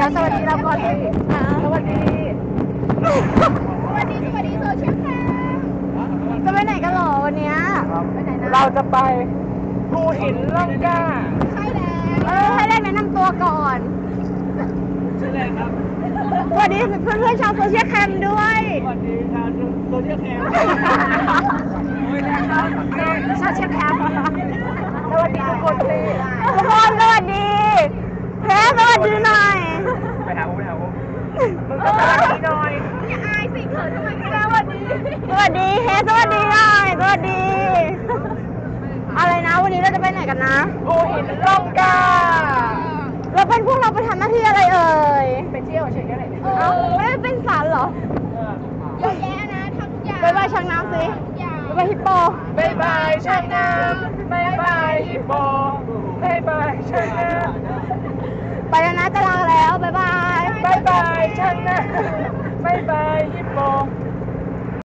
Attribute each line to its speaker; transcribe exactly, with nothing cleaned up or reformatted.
Speaker 1: แล้วสวัสดีเราก่อนสิสวัสดี
Speaker 2: สวัสดีสวัสดีโซเชียลแคม
Speaker 1: จะไปไหนกันหรอวันนี้ไปไหนนะเราจะไปภูหินร่องกล้า
Speaker 2: ใช่แล้ว
Speaker 1: เออให้ได้แนะนำตัวก่อน
Speaker 3: ชื่ออะไรครับ
Speaker 1: สวัสดีเพื่อนเพื่อนชาวโซเชียลแคมด้วย
Speaker 3: สวัสดีชาวโซเชียลแคมโอ้ย
Speaker 1: นะครับโซเชียลแคมสวัสดีทุกคนสิทุกคนสวัสดีแพ้สวัสดีหน่อย
Speaker 3: ไปหาผมไปหาผม
Speaker 1: มึงก็สวัสดีหน่อย
Speaker 2: อย่าอายสิเขินทำไมคะ
Speaker 1: สวัสดีสวัสดีเฮ้สวัสดีหน่อยสวัสดีอะไรนะวันนี้เราจะไปไหนกันนะ
Speaker 3: ภูหินร่องกล้า
Speaker 1: เราเป็นพวกเราไปทำหน้าที่อะไรเอ่ย
Speaker 3: ไปเที่ยวเฉยๆเลย
Speaker 1: เอ้าไม่ได้เป็นสารเหรอ
Speaker 2: เยอะแยะนะทำทุกอย่าง
Speaker 1: บายบายช้างน้ำสิบายบายฮิปโป
Speaker 3: บายบายช้างน้ำบายบายฮิปโปบายบาย